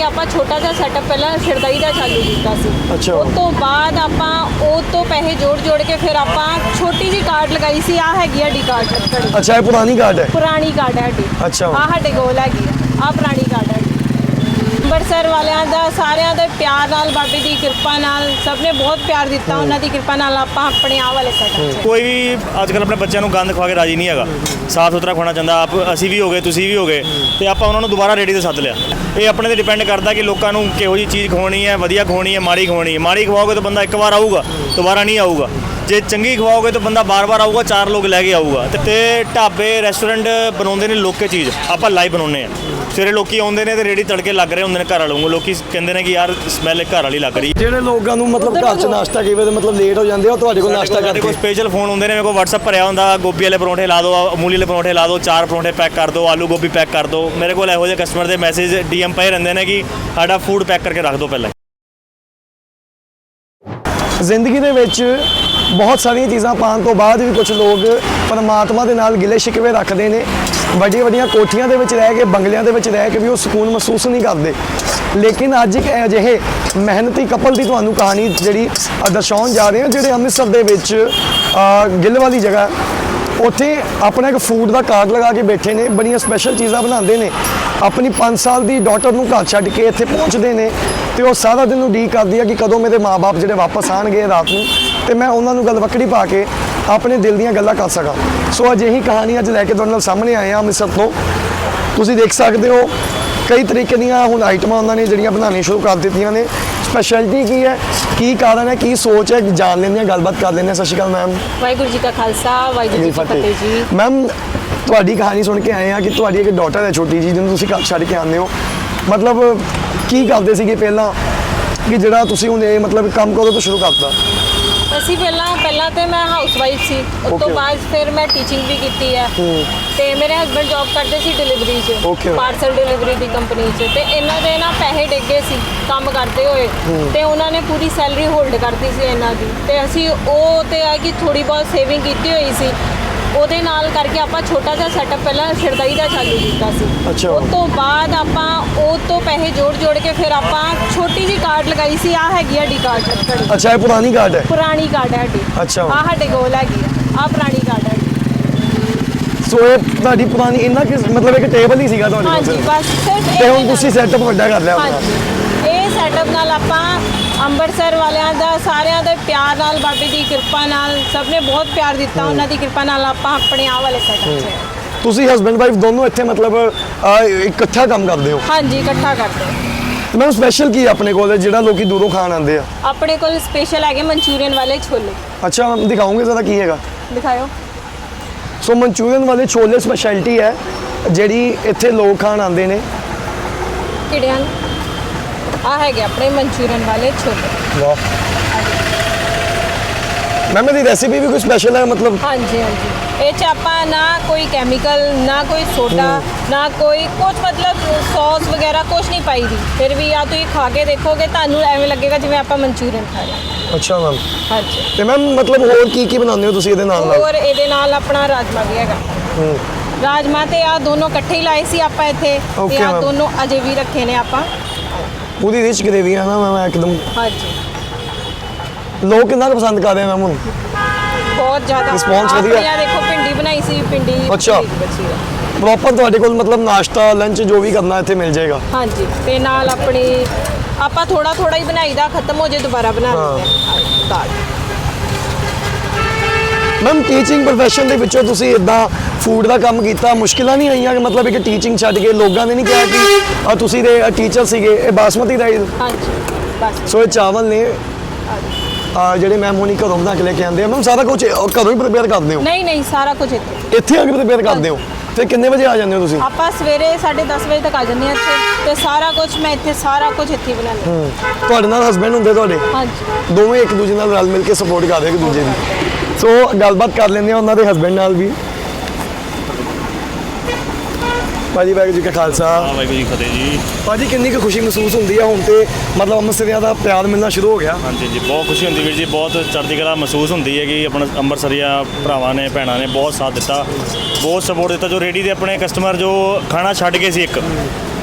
ਕਰਕੇ ਆਪਾਂ ਛੋਟਾ ਜਿਹਾ ਸੈਟਅਪ ਪਹਿਲਾਂ ਸ਼ਰਦਾਈ ਦਾ ਚਾਲੂ ਕੀਤਾ ਸੀ। ਅੱਛਾ। ਉਸ ਤੋਂ ਬਾਅਦ ਆਪਾਂ ਉਹ ਤੋਂ ਪੈਸੇ ਜੋੜ ਕੇ ਫਿਰ ਆਪਾਂ ਛੋਟੀ ਜੀ ਕਾਰਡ ਲਗਾਈ ਸੀ। ਆ ਹੈਗੀ ਆ ਡੀ ਕਾਰਡ ਲੱਕੜੀ। ਅੱਛਾ, ਇਹ ਪੁਰਾਣੀ ਕਾਰਡ ਹੈ। ਪੁਰਾਣੀ ਕਾਰਡ ਹੈ ਸਾਡੀ। ਅੱਛਾ। ਆ ਸਾਡੇ ਕੋਲ ਹੈਗੀ ਆ ਪੁਰਾਣੀ ਕਾਰਡ ਹੈ। ਅੰਮ੍ਰਿਤਸਰ ਵਾਲਿਆਂ ਦਾ ਸਾਰਿਆਂ ਦੇ ਪਿਆਰ ਨਾਲ, ਬਾਬੇ ਦੀ ਕਿਰਪਾ ਨਾਲ, ਸਭ ਨੇ ਬਹੁਤ ਪਿਆਰ ਦਿੱਤਾ। ਉਹਨਾਂ ਦੀ ਕਿਰਪਾ ਨਾਲ ਆਪਾਂ ਆਪਣੇ ਆਹ ਵਾਲੇ ਸੈਟਅਪ 'ਚ ਕੋਈ ਵੀ ਅੱਜ ਕੱਲ੍ਹ ਆਪਣੇ ਬੱਚਿਆਂ ਨੂੰ ਗੰਦ ਖਵਾ ਕੇ ਰਾਜੀ ਨਹੀਂ ਹੈਗਾ। ਸਾਫ ਸੁਥਰਾ ਖਾਣਾ ਚਾਹੁੰਦਾ। ਅਸੀਂ ਵੀ ਹੋ ਗਏ, ਤੁਸੀਂ ਵੀ ਹੋ ਗਏ, ਤੇ ਆਪਾਂ ਉਹਨਾਂ ਨੂੰ ਦੁਬਾਰਾ ਰੇਹੜੀ 'ਤੇ ਸੱਦ ਲਿਆ। ਇਹ ਆਪਣੇ 'ਤੇ ਡਿਪੈਂਡ ਕਰਦਾ ਕਿ ਲੋਕਾਂ ਨੂੰ ਕਿਹੋ ਜਿਹੀ ਚੀਜ਼ ਖਵਾਉਣੀ ਹੈ, ਵਧੀਆ ਖਵਾਉਣੀ ਹੈ, ਮਾੜੀ ਖਵਾਉਣੀ ਹੈ। ਮਾੜੀ ਖਵਾਓਗੇ ਤਾਂ ਬੰਦਾ ਇੱਕ ਵਾਰ ਆਊਗਾ, ਦੁਬਾਰਾ ਨਹੀਂ ਆਊਗਾ। ਜੇ ਚੰਗੀ ਖਵਾਓਗੇ ਤਾਂ ਬੰਦਾ ਬਾਰ-ਬਾਰ ਆਊਗਾ, 4 ਲੋਕ ਲੈ ਕੇ ਆਊਗਾ। ਤੇ ਢਾਬੇ ਰੈਸਟੋਰੈਂਟ ਬਣਾਉਂਦੇ ਨੇ ਲੋਕੇ ਚੀਜ਼, ਆਪਾਂ ਲਾਈਵ ਬਣਾਉਂਦੇ ਆ। ਸਵੇਰੇ ਲੋਕੀ ਆਉਂਦੇ ਨੇ ਤੇ ਰੇਹੜੀ ਤੜਕੇ ਲੱਗ ਰਹੇ ਹੁੰਦੇ ਨੇ ਘਰ ਵਾਲੋਂ। ਲੋਕੀ ਕਹਿੰਦੇ ਨੇ ਕਿ ਯਾਰ ਸਮੈਲ ਘਰ ਵਾਲੀ ਲੱਗ ਰਹੀ। ਜਿਹੜੇ ਲੋਕਾਂ ਨੂੰ ਮਤਲਬ ਘਰ 'ਚ ਨਾਸ਼ਤਾ ਕਈ ਵਾਰ ਮਤਲਬ ਲੇਟ ਹੋ ਜਾਂਦੇ ਆ, ਉਹ ਤੁਹਾਡੇ ਕੋਲ ਨਾਸ਼ਤਾ ਸਾਡੇ ਕੋਲ ਕਰਦੇ। ਸਪੈਸ਼ਲ ਫੋਨ ਹੁੰਦੇ ਨੇ। ਮੇਰੇ ਕੋਲ WhatsApp ਭਰਿਆ ਹੁੰਦਾ, ਗੋਭੀ ਵਾਲੇ ਪਰੌਂਠੇ ਲਾ ਦਿਓ, ਅਮੂਲੀ ਵਾਲੇ ਪਰੌਂਠੇ ਲਾ ਦਿਓ, 4 ਪਰੌਂਠੇ ਪੈਕ ਕਰ ਦਿਓ, ਆਲੂ ਗੋਭੀ ਪੈਕ ਕਰ ਦਿਓ। ਮੇਰੇ ਕੋਲ ਇਹੋ ਜਿਹੇ ਕਸਟਮਰ ਦੇ ਮੈਸੇਜ DM ਪਏ ਰਹਿੰਦੇ ਨੇ ਕਿ ਸਾਡਾ ਫੂਡ ਪੈਕ ਕਰਕੇ ਰੱਖ ਦਿਓ ਪਹਿਲਾਂ। ਜ਼ਿੰਦਗੀ ਦੇ ਵਿੱਚ ਬਹੁਤ ਸਾਰੀਆਂ ਚੀਜ਼ਾਂ ਪਾਉਣ ਤੋਂ ਬਾਅਦ ਵੀ ਕੁਝ ਲੋਕ ਪਰਮਾਤਮਾ ਦੇ ਨਾਲ ਗਿਲੇ ਸ਼ਿਕਵੇ ਰੱਖਦੇ ਨੇ। ਵੱਡੀਆਂ ਵੱਡੀਆਂ ਕੋਠੀਆਂ ਦੇ ਵਿੱਚ ਰਹਿ ਕੇ, ਬੰਗਲਿਆਂ ਦੇ ਵਿੱਚ ਰਹਿ ਕੇ ਵੀ ਉਹ ਸਕੂਨ ਮਹਿਸੂਸ ਨਹੀਂ ਕਰਦੇ। ਲੇਕਿਨ ਅੱਜ ਇੱਕ ਅਜਿਹੇ ਮਿਹਨਤੀ ਕਪਲ ਦੀ ਤੁਹਾਨੂੰ ਕਹਾਣੀ ਜਿਹੜੀ ਦਰਸਾਉਣ ਜਾ ਰਹੇ ਹਾਂ, ਜਿਹੜੇ ਅੰਮ੍ਰਿਤਸਰ ਦੇ ਵਿੱਚ ਗਿੱਲ ਵਾਲੀ ਜਗ੍ਹਾ, ਉੱਥੇ ਆਪਣਾ ਇੱਕ ਫੂਡ ਦਾ ਕਾਰਟ ਲਗਾ ਕੇ ਬੈਠੇ ਨੇ। ਬੜੀਆਂ ਸਪੈਸ਼ਲ ਚੀਜ਼ਾਂ ਬਣਾਉਂਦੇ ਨੇ। ਆਪਣੀ 5 ਸਾਲ ਦੀ ਡਾਟਰ ਨੂੰ ਘਰ ਛੱਡ ਕੇ ਇੱਥੇ ਪਹੁੰਚਦੇ ਨੇ ਤੇ ਉਹ ਸਾਰਾ ਦਿਨ ਉਡੀਕ ਕਰਦੀ ਆ ਕਿ ਕਦੋਂ ਮੇਰੇ ਮਾਪੇ ਜਿਹੜੇ ਵਾਪਸ ਆਣਗੇ ਰਾਤ ਨੂੰ, ਤੇ ਮੈਂ ਉਹਨਾਂ ਨੂੰ ਗਲਵੱਕੜੀ ਪਾ ਕੇ ਆਪਣੇ ਦਿਲ ਦੀਆਂ ਗੱਲਾਂ ਕਰ ਸਕਾਂ। ਸੋ ਅਜਿਹੀ ਕਹਾਣੀ ਅੱਜ ਲੈ ਕੇ ਤੁਹਾਡੇ ਨਾਲ ਸਾਹਮਣੇ ਆਏ ਹਾਂ ਅੰਮ੍ਰਿਤਸਰ ਤੋਂ। ਤੁਸੀਂ ਦੇਖ ਸਕਦੇ ਹੋ ਕਈ ਤਰੀਕੇ ਦੀਆਂ ਹੁਣ ਆਈਟਮਾਂ ਉਹਨਾਂ ਨੇ ਜਿਹੜੀਆਂ ਬਣਾਉਣੀਆਂ ਸ਼ੁਰੂ ਕਰ ਦਿੱਤੀਆਂ ਨੇ। ਸਪੈਸ਼ਲਿਟੀ ਕੀ ਹੈ, ਕੀ ਕਾਰਨ ਹੈ, ਕੀ ਸੋਚ ਹੈ, ਜਾਣ ਲੈਂਦੇ ਹਾਂ, ਗੱਲਬਾਤ ਕਰ ਲੈਂਦੇ ਹਾਂ। ਸਤਿ ਸ਼੍ਰੀ ਅਕਾਲ ਮੈਮ। ਵਾਹਿਗੁਰੂ ਜੀ ਕਾ ਖਾਲਸਾ, ਵਾਹਿਗੁਰੂ ਜੀ ਕੀ ਫਤਿਹ ਜੀ। ਮੈਮ, ਤੁਹਾਡੀ ਕਹਾਣੀ ਸੁਣ ਕੇ ਆਏ ਹਾਂ ਕਿ ਤੁਹਾਡੀ ਇੱਕ ਡਾਟਰ ਹੈ ਛੋਟੀ ਜੀ, ਜਿਹਨੂੰ ਤੁਸੀਂ ਘਰ ਛੱਡ ਕੇ ਆਉਂਦੇ ਹੋ। ਮਤਲਬ ਕੀ ਕਰਦੇ ਸੀਗੇ ਪਹਿਲਾਂ ਕਿ ਜਿਹੜਾ ਤੁਸੀਂ ਹੁਣ ਇਹ ਮਤਲਬ ਕੰਮ ਕਦੋਂ ਤੋਂ ਸ਼ੁਰੂ ਕਰਤਾ? ਅਸੀਂ ਪਹਿਲਾਂ ਤੇ ਮੈਂ ਹਾਊਸ ਵਾਈਫ ਸੀ। ਉਸ ਤੋਂ ਬਾਅਦ ਫਿਰ ਮੈਂ ਟੀਚਿੰਗ ਵੀ ਕੀਤੀ ਹੈ। ਤੇ ਮੇਰੇ ਹਸਬੰਡ ਜੌਬ ਕਰਦੇ ਸੀ ਡਿਲੀਵਰੀ 'ਚ, ਪਾਰਸਲ ਡਿਲੀਵਰੀ ਦੀ ਕੰਪਨੀ 'ਚ। ਤੇ ਇਹਨਾਂ ਦੇ ਨਾ ਪੈਸੇ ਡਿੱਗੇ ਸੀ ਕੰਮ ਕਰਦੇ ਹੋਏ, ਤੇ ਉਹਨਾਂ ਨੇ ਪੂਰੀ ਸੈਲਰੀ ਹੋਲਡ ਕਰਤੀ ਸੀ ਇਹਨਾਂ ਦੀ। ਤੇ ਅਸੀਂ ਉਹ ਤੇ ਆ ਕਿ ਥੋੜੀ ਬਹੁਤ ਸੇਵਿੰਗ ਕੀਤੀ ਹੋਈ ਸੀ, ਉਹਦੇ ਨਾਲ ਕਰਕੇ ਆਪਾਂ ਛੋਟਾ ਜਿਹਾ ਸੈਟਅਪ ਪਹਿਲਾਂ ਸ਼ਰਦਾਈ ਦਾ ਚਾਲੂ ਕੀਤਾ ਸੀ। ਅੱਛਾ। ਉਸ ਤੋਂ ਬਾਅਦ ਆਪਾਂ ਉਹ ਤੋਂ ਪੈਸੇ ਜੋੜ ਕੇ ਫਿਰ ਆਪਾਂ ਛੋਟੀ ਜੀ ਕਾਰਡ ਲਗਾਈ ਸੀ। ਆ ਹੈਗੀ ਆ ਡੀ ਕਾਰਡ ਲੱਕੜੀ। ਅੱਛਾ, ਇਹ ਪੁਰਾਣੀ ਕਾਰਡ ਹੈ। ਪੁਰਾਣੀ ਕਾਰਡ ਹੈ ਸਾਡੀ। ਅੱਛਾ। ਆ ਸਾਡੇ ਕੋਲ ਹੈਗੀ ਆ ਪੁਰਾਣੀ ਕਾਰਡ ਹੈ। ਸੋ ਇਹ ਤੁਹਾਡੀ ਪੁਰਾਣੀ ਇੰਨਾ ਕਿ ਮਤਲਬ ਇੱਕ ਟੇਬਲ ਹੀ ਸੀਗਾ ਤੁਹਾਡੇ ਕੋਲ? ਹਾਂਜੀ, ਬਸ ਸਿਰਫ ਤੇ ਹੁਣ ਤੁਸੀਂ ਸੈਟਅਪ ਵੱਡਾ ਕਰ ਲਿਆ ਆਪਣਾ? ਹਾਂਜੀ, ਇਹ ਸੈਟਅਪ ਨਾਲ ਆਪਾਂ ਅੰਮ੍ਰਿਤਸਰ ਵਾਲਿਆਂ ਦਾ ਸਾਰਿਆਂ ਦੇ ਪਿਆਰ ਨਾਲ, ਬਾਬੇ ਦੀ ਕਿਰਪਾ ਨਾਲ, ਸਭ ਨੇ ਬਹੁਤ ਪਿਆਰ ਦਿੱਤਾ। ਉਹਨਾਂ ਦੀ ਕਿਰਪਾ ਨਾਲ ਆਪਾਂ ਆਪਣੇ ਆਹ ਵਾਲੇ ਸੈਟਅਪ 'ਚ। ਤੁਸੀਂ ਹਸਬੈਂਡ ਵਾਈਫ ਦੋਨੋਂ ਇੱਥੇ ਮਤਲਬ ਇਕੱਠਾ ਕੰਮ ਕਰਦੇ ਹੋ? ਹਾਂਜੀ, ਇਕੱਠਾ ਕਰਦੇ ਹਾਂ। ਮੈਮ, ਸਪੈਸ਼ਲ ਕੀ ਆਪਣੇ ਕੋਲ ਜਿਹੜਾ ਲੋਕੀ ਦੂਰੋਂ ਖਾਣ ਆਉਂਦੇ ਆ? ਆਪਣੇ ਕੋਲ ਸਪੈਸ਼ਲ ਹੈਗੇ ਮਨਚੂਰੀਅਨ ਵਾਲੇ ਛੋਲੇ। ਅੱਛਾ, ਦਿਖਾਓਗੇ ਜ਼ਰਾ ਕੀ ਹੈਗਾ? ਦਿਖਾਓ। ਸੋ ਮਨਚੂਰੀਅਨ ਵਾਲੇ ਛੋਲੇ ਸਪੈਸ਼ਲਿਟੀ ਹੈ ਜਿਹੜੀ ਇੱਥੇ ਲੋਕ ਖਾਣ ਆਉਂਦੇ ਨੇ। ਕਿਹੜੇ ਹਨ? ਆ ਹੈਗੇ ਆਪਣੇ ਮਨਚੂਰੀਅਨ ਵਾਲੇ ਛੋਲੇ। ਵਾਹ ਮੈਮ, ਇਹਦੀ ਰੈਸਿਪੀ ਵੀ ਕੋਈ ਸਪੈਸ਼ਲ ਹੈ ਮਤਲਬ? ਹਾਂਜੀ ਹਾਂਜੀ, ਇਹ 'ਚ ਆਪਾਂ ਨਾ ਕੋਈ ਕੈਮੀਕਲ, ਨਾ ਕੋਈ ਸੋਡਾ, ਨਾ ਕੋਈ ਕੁਝ ਮਤਲਬ ਸੌਸ ਵਗੈਰਾ ਕੁਝ ਨਹੀਂ ਪਾਈ ਦੀ। ਫਿਰ ਵੀ ਆ ਤੁਸੀਂ ਖਾ ਕੇ ਦੇਖੋਗੇ, ਤੁਹਾਨੂੰ ਐਵੇਂ ਲੱਗੇਗਾ ਜਿਵੇਂ ਆਪਾਂ ਮਨਚੂਰੀਅਨ ਖਾ ਰਹੇ ਹਾਂ। ਅੱਛਾ ਮੈਮ। ਹਾਂਜੀ। ਤੇ ਮੈਮ ਮਤਲਬ ਹੋਰ ਕੀ ਬਣਾਉਂਦੇ ਹੋ ਤੁਸੀਂ ਇਹਦੇ ਨਾਲ? ਹੋਰ ਇਹਦੇ ਨਾਲ ਆਪਣਾ ਰਾਜਮਾ ਵੀ ਹੈਗਾ। ਰਾਜਮਾ ਤੇ ਆ ਦੋਨੋਂ ਇਕੱਠੇ ਹੀ ਲਾਏ ਸੀ ਆਪਾਂ ਇੱਥੇ, ਤੇ ਆ ਦੋਨੋਂ ਅਜੇ ਵੀ ਰੱਖੇ ਨੇ ਆਪਾਂ। ਪੂਰੀ ਰਿਚ ਗ੍ਰੇਵੀ ਹੈ ਨਾ ਮੈਮ ਇੱਕਦਮ? ਹਾਂਜੀ। ਲੋਕ ਕਿੰਨਾ ਕੁ ਪਸੰਦ ਕਰ ਰਹੇ ਮੈਮ ਹੁਣ? ਬਹੁਤ ਜ਼ਿਆਦਾ ਰਿਸਪੌਂਸ ਵਧੀਆ? ਆ ਦੇਖੋ, ਭਿੰਡੀ ਬਣਾਈ ਸੀ, ਭਿੰਡੀ ਅੱਛਾ। ਬਚੀ ਆ। ਪ੍ਰੋਪਰ ਤੁਹਾਡੇ ਕੋਲ ਮਤਲਬ ਨਾਸ਼ਤਾ, ਲੰਚ ਜੋ ਵੀ ਕਰਨਾ ਇੱਥੇ ਮਿਲ ਜਾਏਗਾ? ਹਾਂਜੀ। ਤੇ ਨਾਲ ਆਪਣੀ ਆਪਾਂ ਥੋੜਾ ਹੀ ਬਣਾਈਦਾ, ਖਤਮ ਹੋ ਜੇ ਦੁਬਾਰਾ ਬਣਾ ਲੈਂਦੇ ਹਾਂ ਦਾਲ। ਮੈਮ, ਟੀਚਿੰਗ ਪ੍ਰੋਫੈਸ਼ਨ ਦੇ ਵਿੱਚੋਂ ਤੁਸੀਂ ਇਦਾਂ ਫੂਡ ਦਾ ਕੰਮ ਕੀਤਾ, ਮੁਸ਼ਕਿਲਾਂ ਨਹੀਂ ਆਈਆਂ ਕਿ ਮਤਲਬ ਇੱਕ ਟੀਚਿੰਗ ਛੱਡ ਕੇ ਲੋਕਾਂ ਨੇ ਨਹੀਂ ਕਿਹਾ ਕਿ ਤੁਸੀਂ ਦੇ ਟੀਚਰ ਸੀਗੇ? ਇਹ ਬਾਸਮਤੀ ਰਾਈਸ? ਹਾਂਜੀ, ਬਸ। ਸੋ ਇਹ ਚਾਵਲ ਨੇ ਜਿਹੜੇ ਮੈਮ ਹੁਣੀ ਘਰੋਂ ਬਣਾ ਕੇ ਲੈ ਕੇ ਆਉਂਦੇ ਆ। ਮੈਮ, ਸਾਰਾ ਕੁਝ ਘਰੋਂ ਹੀ ਪ੍ਰਿਪੇਅਰ ਕਰਦੇ ਹੋ? ਨਹੀਂ, ਸਾਰਾ ਕੁਝ ਇੱਥੇ ਆ ਕੇ ਪ੍ਰਿਪੇਅਰ ਕਰਦੇ ਹੋ? ਫਿਰ ਕਿੰਨੇ ਵਜੇ ਆ ਜਾਂਦੇ ਹੋ ਤੁਸੀਂ? ਆਪਾਂ ਸਵੇਰੇ 10:30 ਵਜੇ ਤੱਕ ਆ ਜਾਂਦੇ ਹਾਂ ਇੱਥੇ, ਤੇ ਸਾਰਾ ਕੁਝ ਮੈਂ ਇੱਥੇ ਸਾਰਾ ਕੁਝ ਇੱਥੇ ਬਣਾਉਂਦੀ ਹਾਂ। ਤੁਹਾਡੇ ਨਾਲ ਹਸਬੈਂਡ ਹੁੰਦੇ ਤੁਹਾਡੇ? ਹਾਂਜੀ। ਦੋਵੇਂ ਇੱਕ ਦੂਜੇ ਨਾਲ ਰਲ ਮਿਲ ਕੇ ਸਪੋਰਟ ਕਰਦੇ ਇੱਕ ਦੂਜੇ ਦੀ। ਸੋ ਗੱਲਬਾਤ ਕਰ ਲੈਂਦੇ ਆ ਉਹਨਾਂ ਦੇ ਹਸਬੈਂਡ ਨਾਲ ਵੀ। ਭਾਜੀ, ਵਾਹਿਗੁਰੂ ਜੀ ਕਾ ਖਾਲਸਾ। ਵਾਹਿਗੁਰੂ ਜੀ ਫਤਿਹ ਜੀ। ਭਾਜੀ, ਕਿੰਨੀ ਕੁ ਖੁਸ਼ੀ ਮਹਿਸੂਸ ਹੁੰਦੀ ਆ ਹੁਣ ਤੇ ਮਤਲਬ ਅੰਮ੍ਰਿਤਸਰੀਆਂ ਦਾ ਪਿਆਰ ਮਿਲਣਾ ਸ਼ੁਰੂ ਹੋ ਗਿਆ? ਹਾਂਜੀ ਜੀ, ਬਹੁਤ ਖੁਸ਼ੀ ਹੁੰਦੀ ਵੀਰ ਜੀ। ਬਹੁਤ ਚੜ੍ਹਦੀ ਕਲਾ ਮਹਿਸੂਸ ਹੁੰਦੀ ਹੈ ਕਿ ਆਪਣਾ ਅੰਮ੍ਰਿਤਸਰੀਆ ਭਰਾਵਾਂ ਨੇ, ਭੈਣਾਂ ਨੇ ਬਹੁਤ ਸਾਥ ਦਿੱਤਾ, ਬਹੁਤ ਸਪੋਰਟ ਦਿੱਤਾ। ਜੋ ਰੇਹੜੀ ਦੇ ਆਪਣੇ ਕਸਟਮਰ ਜੋ ਖਾਣਾ ਛੱਡ ਗਏ ਸੀ ਇੱਕ,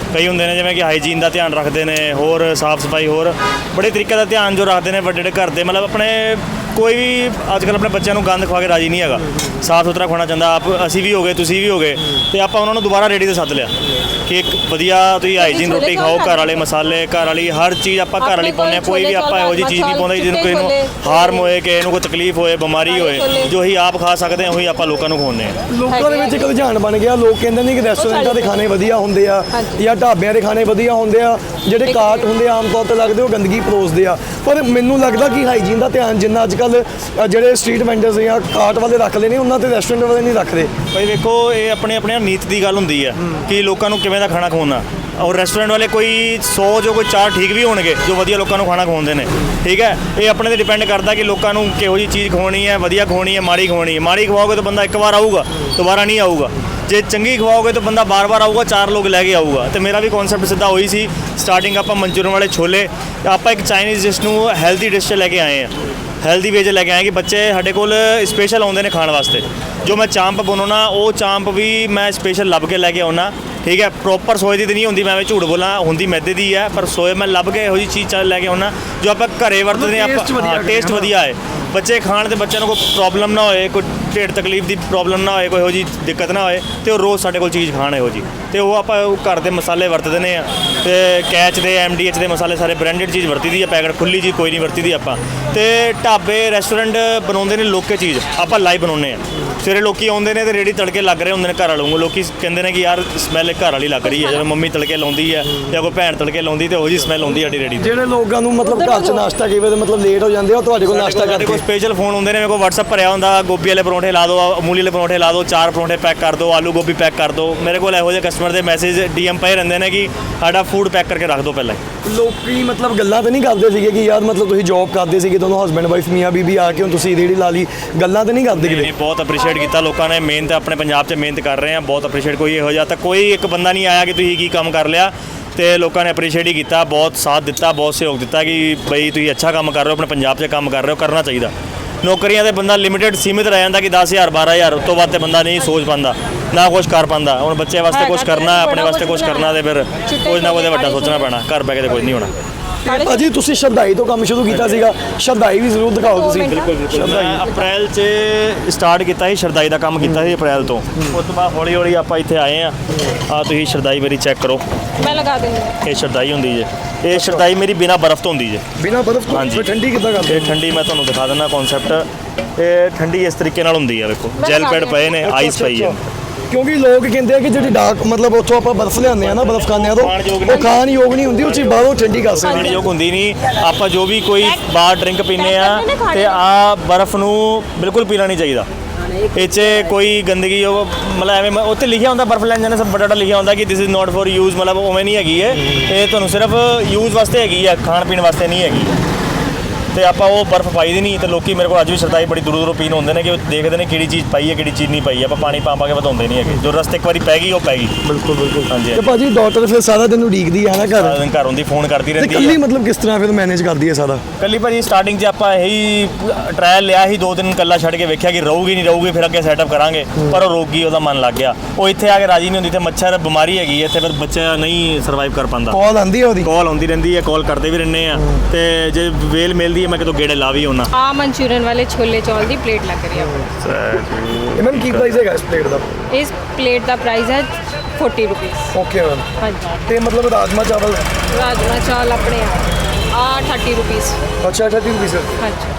ਕਈ ਹੁੰਦੇ ਨੇ ਜਿਵੇਂ ਕਿ ਹਾਈਜੀਨ ਦਾ ਧਿਆਨ ਰੱਖਦੇ ਨੇ, ਹੋਰ ਸਾਫ਼ ਸਫਾਈ, ਹੋਰ ਬੜੇ ਤਰੀਕੇ ਦਾ ਧਿਆਨ ਜੋ ਰੱਖਦੇ ਨੇ ਵੱਡੇ ਘਰ ਦੇ, ਮਤਲਬ ਆਪਣੇ ਕੋਈ ਵੀ ਅੱਜ ਕੱਲ੍ਹ ਆਪਣੇ ਬੱਚਿਆਂ ਨੂੰ ਗੰਦ ਖਵਾ ਕੇ ਰਾਜੀ ਨਹੀਂ ਹੈਗਾ, ਸਾਫ਼ ਸੁਥਰਾ ਖਾਣਾ ਚਾਹੁੰਦਾ। ਅਸੀਂ ਵੀ ਹੋ ਗਏ, ਤੁਸੀਂ ਵੀ ਹੋ ਗਏ, ਤੇ ਆਪਾਂ ਉਹਨਾਂ ਨੂੰ ਦੁਬਾਰਾ ਰੇਹੜੀ ਤੇ ਸੱਦ ਲਿਆ ਕਿ ਇੱਕ ਵਧੀਆ ਤੁਸੀਂ ਹਾਈਜੀਨ ਰੋਟੀ ਖਾਓ, ਘਰ ਵਾਲੇ ਮਸਾਲੇ, ਘਰ ਵਾਲੀ ਹਰ ਚੀਜ਼ ਆਪਾਂ ਘਰ ਵਾਲੀ ਪਾਉਂਦੇ ਹਾਂ। ਕੋਈ ਵੀ ਆਪਾਂ ਇਹੋ ਜਿਹੀ ਚੀਜ਼ ਨਹੀਂ ਪਾਉਂਦੇ ਜਿਹਨੂੰ ਕਿਸੇ ਨੂੰ ਹਾਰਮ ਹੋਏ, ਕਿਸੇ ਨੂੰ ਕੋਈ ਤਕਲੀਫ ਹੋਏ, ਬਿਮਾਰੀ ਹੋਏ। ਜੋ ਹੀ ਆਪ ਖਾ ਸਕਦੇ ਹਾਂ ਉਹੀ ਆਪਾਂ ਲੋਕਾਂ ਨੂੰ ਖਵਾਉਂਦੇ ਹਾਂ। ਲੋਕਾਂ ਦੇ ਵਿੱਚ ਇੱਕ ਰੁਝਾਨ ਬਣ ਗਿਆ, ਲੋਕ ਕਹਿੰਦੇ ਨੇ ਕਿ ਰੈਸਟੋਰੈਂਟਾਂ ਦੇ ਖਾਣੇ ਵਧੀਆ ਹੁੰਦੇ ਆ ਜਾਂ ਢਾਬਿਆਂ ਦੇ ਖਾਣੇ ਵਧੀਆ ਹੁੰਦੇ ਆ, ਜਿਹੜੇ ਕਾਟ ਹੁੰਦੇ ਆ ਆਮ ਤੌਰ ਤੇ ਲੱਗਦੇ ਉਹ ਗੰਦਗੀ ਪਰੋਸਦੇ ਆ। ਪਰ ਮੈਨੂੰ ਲੱਗਦਾ ਕਿ ਹਾਈਜੀਨ ਦਾ ਧਿਆਨ ਜਿੰਨਾ ਅੱਜ ਕੱਲ੍ਹ ਜਿਹੜੇ ਸਟਰੀਟ ਵੈਂਡਰਸ ਜਾਂ ਕਾਟ ਵਾਲੇ ਰੱਖਦੇ ਨੇ ਉਹਨਾਂ ਤੇ ਰੈਸਟੋਰੈਂਟ ਵਾਲੇ ਨਹੀਂ ਰੱਖਦੇ। ਭਾਈ ਵੇਖੋ, ਇਹ ਆਪਣੇ ਆਪਣੇ ਨੀਤ ਦੀ ਗੱਲ ਹੁੰਦੀ ਹੈ ਕਿ ਲੋਕਾਂ ਨੂੰ ਕਿਵੇਂ ਦਾ ਖਾਣਾ ਖਵਾਉਣਾ। ਔਰ ਰੈਸਟੋਰੈਂਟ ਵਾਲੇ ਕੋਈ 100 ਜੋ ਕੋਈ 4 ਠੀਕ ਵੀ ਹੋਣਗੇ ਜੋ ਵਧੀਆ ਲੋਕਾਂ ਨੂੰ ਖਾਣਾ ਖਵਾਉਂਦੇ ਨੇ, ਠੀਕ ਹੈ। ਇਹ ਆਪਣੇ ਤੇ ਡਿਪੈਂਡ ਕਰਦਾ ਕਿ ਲੋਕਾਂ ਨੂੰ ਕਿਹੋ ਜਿਹੀ ਚੀਜ਼ ਖਵਾਉਣੀ ਹੈ, ਵਧੀਆ ਖਵਾਉਣੀ ਹੈ, ਮਾੜੀ ਖਵਾਉਣੀ ਹੈ। ਮਾੜੀ ਖਵਾਓਗੇ ਤਾਂ ਬੰਦਾ ਇੱਕ ਵਾਰ ਆਊਗਾ, ਦੁਬਾਰਾ ਨਹੀਂ ਆਊਗਾ। ਜੇ ਚੰਗੀ ਖਵਾਓਗੇ ਤਾਂ ਬੰਦਾ ਬਾਰ-ਬਾਰ ਆਊਗਾ, 4 ਲੋਕ ਲੈ ਕੇ ਆਊਗਾ। ਤੇ ਮੇਰਾ ਵੀ ਕਨਸੈਪਟ ਸਿੱਧਾ ਹੋਈ ਸੀ। ਸਟਾਰਟਿੰਗ ਆਪਾਂ ਮਨਚੂਰੀਅਨ ਵਾਲੇ ਛੋਲੇ, ਆਪਾਂ ਇੱਕ ਚਾਈਨੀਜ਼ ਡਿਸ਼ ਨੂੰ ਹੈਲਦੀ ਡਿਸ਼ 'ਚ ਲੈ ਕੇ ਆਏ ਹਾਂ, ਹੈਲਦੀ ਵੇ 'ਚ ਲੈ ਕੇ ਆਏ ਕਿ ਬੱਚੇ ਸਾਡੇ ਕੋਲ ਸਪੈਸ਼ਲ ਆਉਂਦੇ ਨੇ ਖਾਣ ਵਾਸਤੇ। ਜੋ ਮੈਂ ਚਾਂਪ ਬਣਾਉਣਾ ਉਹ ਚਾਂਪ ਵੀ ਮੈਂ ਸਪੈਸ਼ਲ ਲੱਭ ਕੇ ਲੈ ਕੇ ਆਉਣਾ, ਠੀਕ ਹੈ। ਪ੍ਰੋਪਰ ਸੋਏ ਦੀ ਤਾਂ ਨਹੀਂ ਹੁੰਦੀ, ਮੈਂ ਐਵੇਂ ਝੂਠ ਬੋਲਾਂ, ਹੁੰਦੀ ਮੈਦੇ ਦੀ ਹੈ, ਪਰ ਸੋਏ ਮੈਂ ਲੱਭ ਕੇ ਇਹੋ ਜਿਹੀ ਚੀਜ਼ ਲੈ ਕੇ ਆਉਣਾ ਜੋ ਆਪਾਂ ਘਰੇ ਵਰਤਦੇ ਹਾਂ। ਆਪਾਂ ਟੇਸਟ ਵਧੀਆ ਹੈ, ਬੱਚੇ ਖਾਣ ਤੇ ਬੱਚਿਆਂ ਨੂੰ ਕੋਈ ਪ੍ਰੋਬਲਮ ਨਾ ਹੋਏ, ਕੋਈ ਢਿੱਡ ਤਕਲੀਫ ਦੀ ਪ੍ਰੋਬਲਮ ਨਾ ਹੋਏ, ਕੋਈ ਇਹੋ ਜਿਹੀ ਦਿੱਕਤ ਨਾ ਹੋਏ, ਤੇ ਉਹ ਰੋਜ਼ ਸਾਡੇ ਕੋਲ ਚੀਜ਼ ਖਾਣ ਇਹੋ ਜਿਹੀ। ਤੇ ਉਹ ਆਪਾਂ ਘਰ ਦੇ ਮਸਾਲੇ ਵਰਤਦੇ ਨੇ ਆ, ਤੇ ਕੈਚ ਦੇ MDH ਦੇ ਮਸਾਲੇ ਸਾਰੇ ਬ੍ਰਾਂਡਡ ਚੀਜ਼ ਵਰਤੀ ਦੀ ਹੈ, ਪੈਕਟ ਖੁੱਲੀ ਚੀਜ਼ ਕੋਈ ਨਹੀਂ ਵਰਤੀ ਦੀ ਆਪਾਂ। ਤੇ ਢਾਬੇ ਰੈਸਟੋਰੈਂਟ ਬਣਾਉਂਦੇ ਨੇ ਲੋਕੇ ਚੀਜ਼, ਆਪਾਂ ਲਾਈਵ ਬਣਾਉਂਦੇ ਆ। ਸਵੇਰੇ ਲੋਕੀ ਆਉਂਦੇ ਨੇ ਤੇ ਰੇੜੀ ਤੜਕੇ ਲੱਗ ਰਹੇ ਹੁੰਦੇ ਨੇ ਘਰ ਵਾਲੋਂ, ਲੋਕੀ ਕਹਿੰਦੇ ਨੇ ਕਿ ਯਾਰ ਸਮੈਲ ਘਰ ਵਾਲੀ ਲੱਗ ਰਹੀ ਹੈ। ਜਦੋਂ ਮੰਮੀ ਤੜਕੇ ਲਾਉਂਦੀ ਹੈ ਜਾਂ ਕੋਈ ਭੈਣ ਤੜਕੇ ਲਾਉਂਦੀ ਤੇ ਉਹੋ ਜਿਹੀ ਸਮੈਲ ਆਉਂਦੀ ਸਾਡੀ ਰੇੜੀ ਤੇ। ਜਿਹੜੇ ਲੋਕਾਂ ਨੂੰ ਮਤਲਬ ਘਰ 'ਚ ਨਾਸ਼ਤਾ ਕਈ ਵਾਰ ਮਤਲਬ ਲੇਟ ਹੋ ਜਾਂਦੇ ਆ, ਉਹ ਤੁਹਾਡੇ ਕੋਲ ਨਾਸ਼ਤਾ ਸਾਡੇ ਕੋਲ ਸਪੈਸ਼ਲ ਫੋਨ ਹੁੰਦੇ ਨੇ, ਮੇਰੇ ਕੋਲ WhatsApp ਭਰਿਆ ਹੁੰਦਾ, ਗੋਭੀ ਵਾਲੇ ਪਰੌਂਠੇ ਲਾ ਦਿਓ, ਅਮੂਲੀ ਵਾਲੇ ਪਰੌਂਠੇ ਲਾ ਦਿਓ, 4 ਪਰੌਂਠੇ ਪੈਕ ਕਰ ਦਿਓ, ਆਲੂ ਗੋਭੀ ਪੈਕ ਕਰ ਦਿਓ। ਮੇਰੇ ਕੋਲ ਇਹੋ ਜਿਹੇ ਕਸਟਮਰ ਦੇ ਮੈਸੇਜ DM ਪਏ ਰਹਿੰਦੇ ਨੇ ਕਿ ਸਾਡਾ ਫੂਡ ਪੈਕ ਕਰਕੇ ਰੱਖ ਦਿਓ ਪਹਿਲਾਂ ਹੀ। ਲੋਕੀ ਮਤਲਬ ਗੱਲਾਂ ਤਾਂ ਨਹੀਂ ਕਰਦੇ ਸੀਗੇ ਕਿ ਯਾਰ ਮਤਲਬ ਤੁਸੀਂ ਜੌਬ ਕਰਦੇ ਸੀਗੇ ਦੋਨੋਂ ਹਸਬੈਂਡ ਵਾਈਫ ਮੀਆਂ ਬੀਬੀ ਆ ਕੇ ਹੁਣ ਤੁਸੀਂ ਰੇੜੀ ਲਾ ਲਈ, ਗੱਲਾਂ ਤਾਂ ਨਹੀਂ ਕਰਦੇ ਕਿਤੇ? ਬਹੁਤ ਅਪਰੀਸ਼ੀਏਟ ਕੀਤਾ ਲੋਕਾਂ ਨੇ, ਮਿਹਨਤ ਆਪਣੇ ਪੰਜਾਬ 'ਚ ਮਿਹਨਤ ਕਰ ਰਹੇ ਆ, ਬਹੁਤ ਅਪਰੀਸ਼ੀਏਟ। ਕੋਈ ਇਹੋ ਜਿਹਾ ਤਾਂ ਕੋਈ ਇੱਕ ਬੰਦਾ ਨਹੀਂ ਆਇਆ ਕਿ ਤੁਸੀਂ ਕੀ ਕੰਮ ਕਰ ਲਿਆ, ਤੇ ਲੋਕਾਂ ਨੇ ਅਪਰੀਸ਼ੀਏਟ ਹੀ ਕੀਤਾ, ਬਹੁਤ ਸਾਥ ਦਿੱਤਾ, ਬਹੁਤ ਸਹਿਯੋਗ ਦਿੱਤਾ ਕਿ ਬਈ ਤੁਸੀਂ ਅੱਛਾ ਕੰਮ ਕਰ ਰਹੇ ਹੋ, ਆਪਣੇ ਪੰਜਾਬ 'ਚ ਕੰਮ ਕਰ ਰਹੇ ਹੋ, ਕਰਨਾ ਚਾਹੀਦਾ। ਨੌਕਰੀਆਂ ਤੇ ਬੰਦਾ ਲਿਮਿਟਡ ਸੀਮਿਤ ਰਹਿ ਜਾਂਦਾ ਕਿ 10,000 12,000 ਉਸ ਤੋਂ ਬਾਅਦ ਤੇ ਬੰਦਾ ਨਹੀਂ ਸੋਚ ਪਾਉਂਦਾ, ਨਾ ਕੁਝ ਕਰ ਪਾਉਂਦਾ। ਹੁਣ ਬੱਚੇ ਵਾਸਤੇ ਕੁਝ ਕਰਨਾ, ਆਪਣੇ ਵਾਸਤੇ ਕੁਝ ਕਰਨਾ, ਤੇ ਫਿਰ ਕੁਝ ਨਾ ਕੁਝ ਵੱਡਾ ਸੋਚਣਾ ਪੈਣਾ, ਘਰ ਬਹਿ ਕੇ ਤੇ ਕੁਝ ਨਹੀਂ ਹੋਣਾ। ਭਾਜੀ ਤੁਸੀਂ ਸ਼ਰਦਾਈ ਤੋਂ ਕੰਮ ਸ਼ੁਰੂ ਕੀਤਾ ਸੀਗਾ, ਸ਼ਰਦਾਈ ਵੀ ਜ਼ਰੂਰ ਦਿਖਾਓ ਤੁਸੀਂ। ਮੈਂ ਅਪ੍ਰੈਲ 'ਚ ਸਟਾਰਟ ਕੀਤਾ ਸੀ, ਸ਼ਰਦਾਈ ਦਾ ਕੰਮ ਕੀਤਾ ਸੀ ਅਪ੍ਰੈਲ ਤੋਂ। ਉਸ ਤੋਂ ਬਾਅਦ ਹੌਲੀ ਹੌਲੀ ਆਪਾਂ ਇੱਥੇ ਆਏ ਆ ਤੁਸੀਂ ਸ਼ਰਦਾਈ ਮੇਰੀ ਚੈੱਕ ਕਰੋ, ਮੈਂ ਲਗਾ ਦਿੰਦੀ। ਇਹ ਸ਼ਰਦਾਈ ਹੁੰਦੀ ਜੇ, ਇਹ ਸ਼ਰਦਾਈ ਮੇਰੀ ਬਿਨਾ ਬਰਫ਼ ਤੋਂ ਹੁੰਦੀ ਜੇ। ਬਿਨਾ ਬਰਫ਼ ਤੋਂ? ਹਾਂਜੀ। ਠੰਡੀ ਕਿੱਦਾਂ ਕਰਦੇ? ਇਹ ਠੰਡੀ ਮੈਂ ਤੁਹਾਨੂੰ ਦਿਖਾ ਦਿੰਦਾ ਕਨਸੈਪਟ। ਇਹ ਠੰਡੀ ਇਸ ਤਰੀਕੇ ਨਾਲ ਹੁੰਦੀ ਹੈ, ਵੇਖੋ ਜੈਲ ਪੈਡ ਪਏ ਨੇ, ਆਈਸ ਪਈ ਹੈ। ਕਿਉਂਕਿ ਲੋਕ ਕਹਿੰਦੇ ਆ ਕਿ ਜਿਹੜੀ ਡਾਰਕ ਮਤਲਬ ਉੱਥੋਂ ਆਪਾਂ ਬਰਫ਼ ਲਿਆਉਂਦੇ ਆ ਨਾ, ਬਰਫ਼ ਖਾਂਦੇ ਆ ਤਾਂ ਉਹ ਖਾਣ ਯੋਗ ਨਹੀਂ ਹੁੰਦੀ, ਉਹ ਚੀਜ਼ ਬਾਹਰੋਂ ਠੰਡੀ ਕਰ ਸਕਦੇ। ਖਾਣ ਯੋਗ ਹੁੰਦੀ ਨਹੀਂ। ਆਪਾਂ ਜੋ ਵੀ ਕੋਈ ਬਾਹਰ ਡਰਿੰਕ ਪੀਂਦੇ ਆ ਤੇ ਆ ਬਰਫ਼ ਨੂੰ ਬਿਲਕੁਲ ਪੀਣਾ ਨਹੀਂ ਚਾਹੀਦਾ। ਇਹ 'ਚ ਕੋਈ ਗੰਦਗੀ ਉਹ ਮਤਲਬ ਐਵੇਂ ਉੱਥੇ ਲਿਖਿਆ ਹੁੰਦਾ ਬਰਫ਼ ਲੈਣ ਜਾਂਦੇ ਸਭ ਬੜਾ ਲਿਖਿਆ ਹੁੰਦਾ ਕਿ this is not for use, ਮਤਲਬ ਉਵੇਂ ਨਹੀਂ ਹੈਗੀ ਇਹ ਤੁਹਾਨੂੰ ਸਿਰਫ ਯੂਜ਼ ਵਾਸਤੇ ਹੈਗੀ ਆ, ਖਾਣ ਪੀਣ ਵਾਸਤੇ ਨਹੀਂ ਹੈਗੀ। ਤੇ ਆਪਾਂ ਉਹ ਬਰਫ਼ ਪਾਈ ਦੀ ਨਹੀਂ, ਤੇ ਲੋਕੀ ਮੇਰੇ ਕੋਲ ਅੱਜ ਵੀ ਸ਼ਰਦਾਈ ਬੜੀ ਦੂਰੋਂ ਦੂਰੋਂ ਪੀਣ ਹੁੰਦੇ ਨੇ ਕਿ ਉਹ ਦੇਖਦੇ ਨੇ ਕਿਹੜੀ ਚੀਜ਼ ਪਾਈ ਹੈ ਕਿਹੜੀ ਚੀਜ਼ ਨਹੀਂ ਪਾਈ। ਆਪਾਂ ਪਾਣੀ ਪਾ ਕੇ ਵਧਾਉਂਦੇ ਨਹੀਂ ਹੈਗੇ, ਜੋ ਰਸਤੇ ਇੱਕ ਵਾਰੀ ਪੈ ਗਈ ਉਹ ਪੈ ਗਈ। ਬਿਲਕੁਲ ਬਿਲਕੁਲ। ਹਾਂਜੀ। ਤੇ ਭਾਜੀ ਡਾਕਟਰ ਫਿਰ ਸਾਰਾ ਦਿਨ ਉਡੀਕਦੀ ਹੈ ਨਾ ਸਾਰਾ ਘਰ? ਦਿਨ ਘਰ ਹੁੰਦੀ, ਫੋਨ ਕਰਦੀ ਤੇ ਰਹਿੰਦੀ ਕੱਲੀ ਹੈ। ਮਤਲਬ ਕਿਸ ਤਰ੍ਹਾਂ ਫਿਰ ਮੈਨੇਜ ਕਰਦੀ ਹੈ ਸਾਰਾ? ਕੱਲੀ ਭਾਜੀ ਸਟਾਰਟਿੰਗ 'ਚ ਆਪਾਂ ਇਹੀ ਟਰਾਇਲ ਲਿਆ ਸੀ, 2 ਦਿਨ ਕੱਲਾ ਛੱਡ ਕੇ ਵੇਖਿਆ ਕਿ ਰਹੂਗੀ ਨਹੀਂ ਰਹੂਗੀ, ਫਿਰ ਅੱਗੇ ਸੈਟਅਪ ਕਰਾਂਗੇ। ਪਰ ਉਹ ਰੋਕ ਗਈ, ਉਹਦਾ ਮਨ ਲੱਗ ਗਿਆ। ਉਹ ਇੱਥੇ ਆ ਕੇ ਰਾਜੀ ਨਹੀਂ ਹੁੰਦੀ, ਤੇ ਮੱਛਰ ਬਿਮਾਰੀ ਹੈਗੀ ਇੱਥੇ, ਫਿਰ ਬੱਚਾ ਨਹੀਂ ਸਰਵਾਈਵ ਕਰ ਪਾਉਂਦਾ। ਕਾਲ ਆਉਂਦੀ ਹੈ ਉਹਦੀ? ਕਾਲ ਆਉਂਦੀ ਰਹਿੰਦੀ ਹੈ, ਕਾਲ ਕਰਦੇ ਵੀ ਰਹਿੰਦੇ ਆ, ਤੇ ਜੇ ਵੇਲ ਮਿਲਦੀ ਹੈ ਮੈਂ ਕਿਤੋਂ ਗੇੜੇ ਲਾ ਵੀ ਆਉਣਾ। ਆ ਮਨਚੂਰੀਅਨ ਵਾਲੇ ਛੋਲੇ ਚੌਲ ਦੀ ਪਲੇਟ ਲੱਗ ਰਹੀ ਹੈ। ਇਹ ਮੈਮ ਕੀ ਪ੍ਰਾਈਸ ਹੈਗਾ ਇਸ ਪਲੇਟ ਦਾ? ਇਸ ਪਲੇਟ ਦਾ ਪ੍ਰਾਈਸ ਹੈ 40 ਰੁਪੀਸ। Okay ma'am. ਹਾਂਜੀ। ਤੇ ਮਤਲਬ ਰਾਜਮਾ ਚਾਵਲ? ਰਾਜਮਾ ਚਾਵਲ ਆਪਣੇ ਆ 30 ਰੁਪੀਸ। ਅੱਛਾ 30 ਰੁਪਏ ਸਰ। ਹਾਂਜੀ।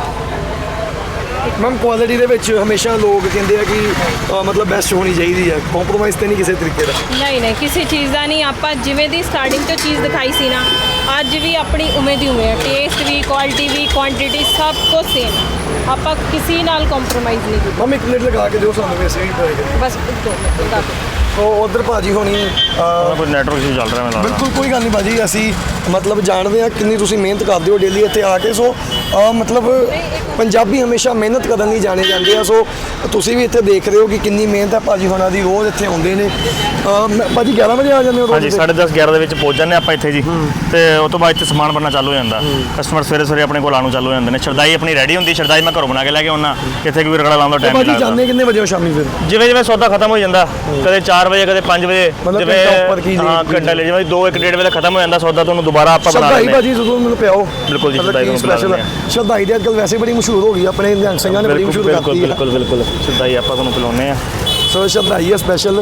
ਮੈਮ ਕੁਆਲਿਟੀ ਦੇ ਵਿੱਚ ਹਮੇਸ਼ਾ ਲੋਕ ਕਹਿੰਦੇ ਆ ਕਿ ਮਤਲਬ ਬੈਸਟ ਹੋਣੀ ਚਾਹੀਦੀ ਹੈ, ਕੰਪਰੋਮਾਈਜ਼ ਤੇ ਨਹੀਂ ਕਿਸੇ ਤਰੀਕੇ ਦਾ? ਨਹੀਂ ਨਹੀਂ, ਕਿਸੇ ਚੀਜ਼ ਦਾ ਨਹੀਂ। ਆਪਾਂ ਜਿਵੇਂ ਦੀ ਸਟਾਰਟਿੰਗ ਤੋਂ ਚੀਜ਼ ਦਿਖਾਈ ਸੀ ਨਾ, ਅੱਜ ਵੀ ਆਪਣੀ ਉਵੇਂ ਦੀ ਉਵੇਂ ਹੈ। ਟੇਸਟ ਵੀ, ਕੁਆਲਿਟੀ ਵੀ, ਕੁਆਂਟੀਟੀ ਸਭ ਕੁਝ ਸੇਮ। ਆਪਾਂ ਕਿਸੇ ਨਾਲ ਕੰਪਰੋਮਾਈਜ਼ ਨਹੀਂ ਕੀਤਾ। ਮੈਮ ਇੱਕ ਪਲੇਟ ਲਗਾ ਕੇ ਦਿਓ ਸਾਨੂੰ, ਵੈਸੇ ਹੀ ਟਰਾਈ ਬਸ 2 ਮਿੰਟ ਲਗਾ ਦਿਓ। ਉਹ ਉਧਰ ਭਾਜੀ ਹੋਣੀ ਕੋਈ ਨੈਟਵਰਕ ਇਸ਼ੂ ਚੱਲ ਰਿਹਾ ਮੈਨੂੰ ਲੱਗਦਾ। ਬਿਲਕੁਲ ਕੋਈ ਗੱਲ ਨਹੀਂ ਭਾਜੀ, ਅਸੀਂ ਮਤਲਬ ਜਾਣਦੇ ਹਾਂ ਕਿੰਨੀ ਤੁਸੀਂ ਮਿਹਨਤ ਕਰਦੇ ਹੋ ਡੇਲੀ ਇੱਥੇ ਆ ਕੇ। ਸੋ ਮਤਲਬ ਪੰਜਾਬੀ ਹਮੇਸ਼ਾ ਮਿਹਨਤ ਕਰਨ ਲਈ ਜਾਣੇ ਜਾਂਦੇ ਆ। ਸੋ ਤੁਸੀਂ ਵੀ ਇੱਥੇ ਦੇਖ ਰਹੇ ਹੋ ਕਿ ਕਿੰਨੀ ਮਿਹਨਤ ਹੈ ਭਾਜੀ ਹੋਣਾ ਦੀ, ਰੋਜ਼ ਇੱਥੇ ਆਉਂਦੇ ਨੇ। ਭਾਜੀ 11 ਵਜੇ ਆ ਜਾਂਦੇ ਹੋ? ਹਾਂਜੀ 10:30 11 ਦੇ ਵਿੱਚ ਪਹੁੰਚ ਜਾਂਦੇ ਆਪਾਂ ਇੱਥੇ ਜੀ, ਤੇ ਉਸ ਤੋਂ ਬਾਅਦ ਇੱਥੇ ਸਮਾਨ ਬਣਨਾ ਚਾਲੂ ਹੋ ਜਾਂਦਾ। ਕਸਟਮਰ ਸਵੇਰੇ ਸਵੇਰੇ ਆਪਣੇ ਕੋਲ ਆਉਣ ਚਾਲੂ ਹੋ ਜਾਂਦੇ ਨੇ। ਸ਼ਰਦਾਈ ਆਪਣੀ ਰੈਡੀ ਹੁੰਦੀ, ਸ਼ਰਦਾਈ ਮੈਂ ਘਰੋਂ ਬਣਾ ਕੇ ਲੈ ਕੇ ਆਉਣਾ, ਇੱਥੇ ਕੋਈ ਰਗੜਾ ਲਾਉਣ ਦਾ ਟਾਈਮ ਨਹੀਂ ਭਾਜੀ ਲੱਗਦਾ। ਜਾਂਦੇ ਕਿੰਨੇ ਵਜੇ ਹੋ ਸ਼ਾਮੀ ਫਿਰ? ਜਿਵੇਂ ਜਿਵੇਂ ਸੌਦਾ ਖਤਮ ਹੋ ਜਾਂਦਾ, ਕਦੇ 4 4 ਵਜੇ ਕਦੇ 5 ਵਜੇ ਮਤਲਬ ਘੰਟਾ ਉੱਪਰ ਕੀ ਹਾਂ ਲੇਟ ਘੰਟਾ ਲੈ ਜਿਵੇਂ 2-1-1.5 ਵਜੇ ਖਤਮ ਹੋ ਜਾਂਦਾ ਸੌਦਾ, ਤੁਹਾਨੂੰ ਦੁਬਾਰਾ ਆਪਾਂ ਬਣਾ ਸ਼ਰਦਾਈ ਲੈਂਦੇ ਭਾਜੀ ਜਦੋਂ ਮੈਨੂੰ ਪਿਆਓ ਬਿਲਕੁਲ ਜੀ, ਸ਼ਰਦਾਈ ਨੂੰ ਪਿਲਾ ਦਿੰਦੇ ਹਾਂ। ਸ਼ਰਦਾਈ ਦੀ ਅੱਜਕੱਲ ਵੈਸੇ ਬੜੀ ਮਸ਼ਹੂਰ ਹੋ ਗਈ ਆਪਣੇ ਨਿਹੰਗ ਸਿੰਘਾਂ ਨੇ ਬੜੀ ਮਸ਼ਹੂਰ ਕਰਤੀ ਹੈ। ਬਿਲਕੁਲ ਸ਼ਰਦਾਈ ਆਪਾਂ ਤੁਹਾਨੂੰ ਪਿਲਾਉਂਦੇ ਆ। ਸੋ ਸ਼ਰਦਾਈ ਹੈ ਸਪੈਸ਼ਲ।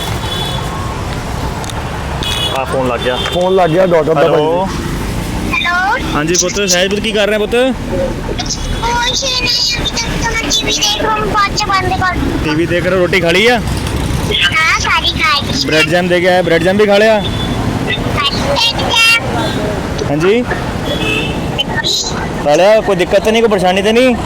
ਆ ਫੋਨ ਲੱਗ ਗਿਆ ਡਾਕਟਰ ਦਾ ਹੈਲੋ ਭਾਜੀ। हेलो ਹਾਂਜੀ ਪੁੱਤ ਸਹਿਜਪੁਰ ਕੀ ਕਰ ਰਹੇ ਪੁੱਤ? कुछ नहीं अभी तक तो मैं टीवी देख रहा हूँ, बाद से बंद कर दूँ। ਟੀਵੀ ਦੇਖ ਰਹੇ, ਰੋਟੀ ਖਾ ਲਈ ਆ? हाँ सारी खाई। ब्रेड जैम दे गया है, ब्रेड जैम भी खा लिया? हाँ जी खा लिया, कोई दिक्कत तो नहीं, कोई परेशानी तो नहीं?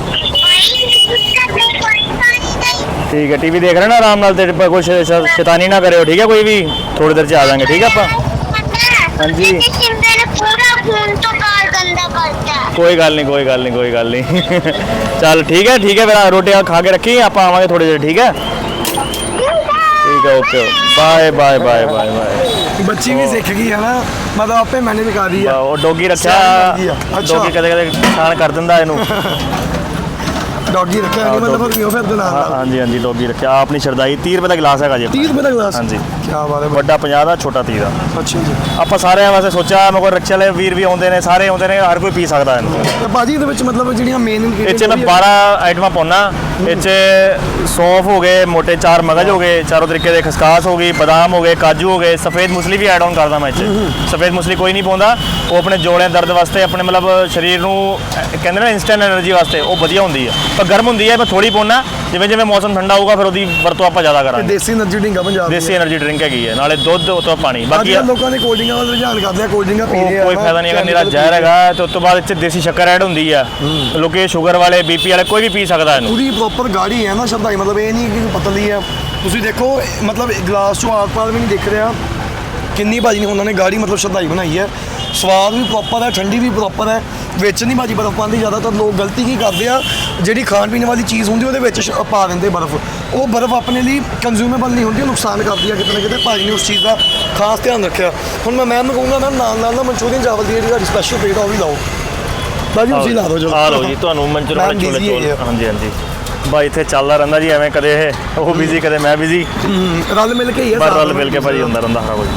ठीक है, टीवी देख रहे हैं ना आराम नाल, तेरे पर कुछ शैतानी ना करे, ठीक है? कोई भी थोड़ी देर से आ जाएंगे, ठीक है आपा? हाँ जी। पूरा खून तो कार गंदा करता है। कोई गल नहीं चल ठीक है फिर रोटी खा के रखी, आप आवांगे थोड़ी देर, ठीक है? ठीक है, ओके बाय बाय। ਬੱਚੀ ਵੀ ਸਿੱਖ ਗਈ ਹੈ ਨਾ, ਮਤਲਬ ਆਪੇ ਮੈਨੇਜ ਕਰ ਰਹੀ ਆ। ਉਹ ਡੋਗੀ ਰੱਖਿਆ, ਅੱਛਾ। ਡੋਗੀ ਕਦੇ ਖਾਣ ਕਰ ਦਿੰਦਾ ਇਹਨੂੰ। ਡੌਗੀ ਰੱਖਿਆ ਨਹੀਂ ਮਤਲਬ ਕਿਉਂ ਫਿਰ ਦੇ ਨਾਲ ਹਾਂਜੀ ਡੋਗੀ ਰੱਖਿਆ। ਆਪਣੀ ਸ਼ਰਦਾਈ 30 ਰੁਪਏ ਦਾ ਗਲਾਸ ਹੈਗਾ ਜੀ। 30 ਰੁਪਏ ਦਾ ਗਲਾਸ? ਹਾਂਜੀ ਕੀ ਬਾਤ ਹੈ। ਵੱਡਾ 50 ਦਾ, ਛੋਟਾ 30 ਦਾ। ਅੱਛਾ ਜੀ। ਆਪਾਂ ਸਾਰਿਆਂ ਵਾਸਤੇ ਸੋਚਿਆ, ਮੇਰੇ ਕੋਲ ਰਿਕਸ਼ੇ ਵਾਲੇ ਵੀਰ ਵੀ ਆਉਂਦੇ ਨੇ, ਸਾਰੇ ਆਉਂਦੇ ਨੇ, ਹਰ ਕੋਈ ਪੀ ਸਕਦਾ ਇਹਨੂੰ। ਤੇ ਭਾਜੀ ਇਹਦੇ ਵਿੱਚ ਮਤਲਬ ਜਿਹੜੀਆਂ ਮੇਨ ਇਹ 'ਚ ਮੈਂ 12 ਆਈਟਮਾਂ ਪਾਉਣਾ। ਇਹ 'ਚ ਸੌਂਫ ਹੋ ਗਏ, ਮੋٹے 4 ਮਗਜ ਹੋ ਗਏ, ਚਾਰੋਂ ਤਰੀਕੇ ਦੇ ਖਸਕਾਸ ਹੋ ਗਈ, ਬਦਾਮ ਹੋ ਗਏ, ਕਾਜੂ ਹੋ ਗਏ, ਸਫੇਦ ਮੁਸਲੀ ਵੀ ਐਡ ਆਨ ਕਰਦਾ ਮੈਂ ਇਹ 'ਚ। ਸਫੇਦ ਮੁਸਲੀ ਕੋਈ ਨਹੀਂ ਪਾਉਂਦਾ, ਉਹ ਆਪਣੇ ਜੋੜਿਆਂ ਦਰਦ ਵਾਸਤੇ, ਆਪਣੇ ਮਤਲਬ ਸਰੀਰ ਨੂੰ ਕਹਿੰਦੇ ਨਾ ਇਨਸਟੈਂਟ ਐਨਰਜੀ ਵਾਸਤੇ ਉਹ ਵਧੀਆ ਹੁੰਦੀ ਹੈ, ਪਰ ਗਰਮ ਹੁੰਦੀ ਹੈ। ਮੈਂ ਥੋੜੀ ਪਾਉਣਾ, ਜਿਵੇਂ ਮੌਸਮ ਠੰਡਾ ਹੋਊਗਾ ਫਿਰ ਉਹਦੀ ਵਰਤੋਂ ਆਪਾਂ ਜ਼ਿਆਦਾ ਕਰਾਂਗੇ। ਦੇਸੀ એનર્ਜੀ ਡਰਿੰਕ ਆ ਪੰਜਾਬ ਦੀ। ਦੇਸੀ એનર્ਜੀ ਡਰਿੰਕ ਹੈਗੀ ਹੈ, ਨਾਲੇ ਦੁੱਧ ਉਤੋਂ ਪਾਣੀ। ਬਾਕੀ ਲੋਕਾਂ ਨੇ ਕੋਲਡ ਡਰਿੰਕਾਂ ਵੱਲ ਰੁਝਾਨ ਕਰਦੇ ਆ, ਕੋਲਡ ਡਰਿੰਕਾਂ ਪੀਂਦੇ ਆ। ਕੋਈ ਫਾਇਦਾ ਨਹੀਂ ਹੈਗਾ, ਨਿਰਾ ਜ਼ਹਿਰ ਹੈਗਾ। ਤੇ ਉਸ ਤੋਂ ਬਾਅਦ ਇਹ 'ਚ ਦੇਸੀ ਸ਼ੱਕਰ ਐਡ ਹੁੰਦੀ ਆ। ਲੋਕੀ ਸ਼ੂਗਰ ਵਾਲੇ, ਬੀਪੀ ਵਾਲੇ ਕੋਈ ਵੀ ਪੀ ਸਕਦਾ ਇਹਨੂੰ। ਪੂਰੀ ਪ੍ਰੋਪਰ ਗਾੜੀ ਹੈ ਨਾ ਸ਼ਰਦਾਈ, ਮਤਲਬ ਇਹ ਨਹੀਂ ਕਿ ਪਤਲੀ ਆ। ਤੁਸੀਂ ਦੇਖੋ ਮਤਲਬ ਗਲਾਸ ਚੋਂ ਆਰ-ਪਾਰ ਵੀ ਨਹੀਂ ਦਿਖ ਰਿਹਾ ਕਿੰਨੀ ਭਾਜੀ ਨੇ ਉਹਨਾਂ ਨੇ ਗਾੜੀ ਮਤਲਬ ਸ਼ਰਦਾਈ ਬਣਾਈ ਹੈ। ਸਵਾਦ ਵੀ ਪ੍ਰੋਪਰ ਹੈ, ਠੰਡੀ ਵੀ ਪ੍ਰੋਪਰ ਹੈ। ਵਿੱਚ ਨਹੀਂ ਭਾਜੀ ਬਰਫ਼ ਪਾਉਂਦੀ। ਜ਼ਿਆਦਾਤਰ ਲੋਕ ਗਲਤੀ ਕੀ ਕਰਦੇ ਆ, ਜਿਹੜੀ ਖਾਣ ਪੀਣ ਵਾਲੀ ਚੀਜ਼ ਹੁੰਦੀ ਉਹਦੇ ਵਿੱਚ ਪਾ ਦਿੰਦੇ ਬਰਫ਼। ਉਹ ਬਰਫ਼ ਆਪਣੇ ਲਈ ਕੰਜ਼ਿਊਮੇਬਲ ਨਹੀਂ ਹੁੰਦੀ, ਉਹ ਨੁਕਸਾਨ ਕਰਦੀ ਹੈ ਕਿਤੇ ਨਾ ਕਿਤੇ। ਭਾਜੀ ਨੇ ਉਸ ਚੀਜ਼ ਦਾ ਖਾਸ ਧਿਆਨ ਰੱਖਿਆ। ਹੁਣ ਮੈਂ ਮੈਮ ਨੂੰ ਕਹੂੰਗਾ ਮੈਮ ਨਾਲ ਨਾ ਮਨਚੂਰੀਅਨ ਚਾਵਲ ਦੀ ਜਿਹੜੀ ਤੁਹਾਡੀ ਸਪੈਸ਼ਲ ਪਲੇਟ ਆ ਉਹ ਵੀ ਲਾਓ। ਭਾਜੀ ਤੁਸੀਂ ਲਾ ਦਿਓ ਚਲੋ। ਆ ਲਓ ਜੀ, ਤੁਹਾਨੂੰ ਮਨਚੂਰੀਅਨ ਛੋਲੇ ਚੋਲ। ਹਾਂਜੀ ਬਾਈ ਇੱਥੇ ਚੱਲਦਾ ਰਹਿੰਦਾ ਜੀ, ਐਵੇਂ ਕਦੇ ਇਹ ਉਹ ਬਿਜ਼ੀ, ਕਦੇ ਮੈਂ ਬਿਜ਼ੀ, ਰਲ ਮਿਲ ਕੇ ਹੀ ਹੈ। ਪਰ ਰਲ ਮਿਲ ਕੇ ਭਾਜੀ ਹੁੰਦਾ ਰਹਿੰਦਾ ਸਾਰਾ ਕੁਝ।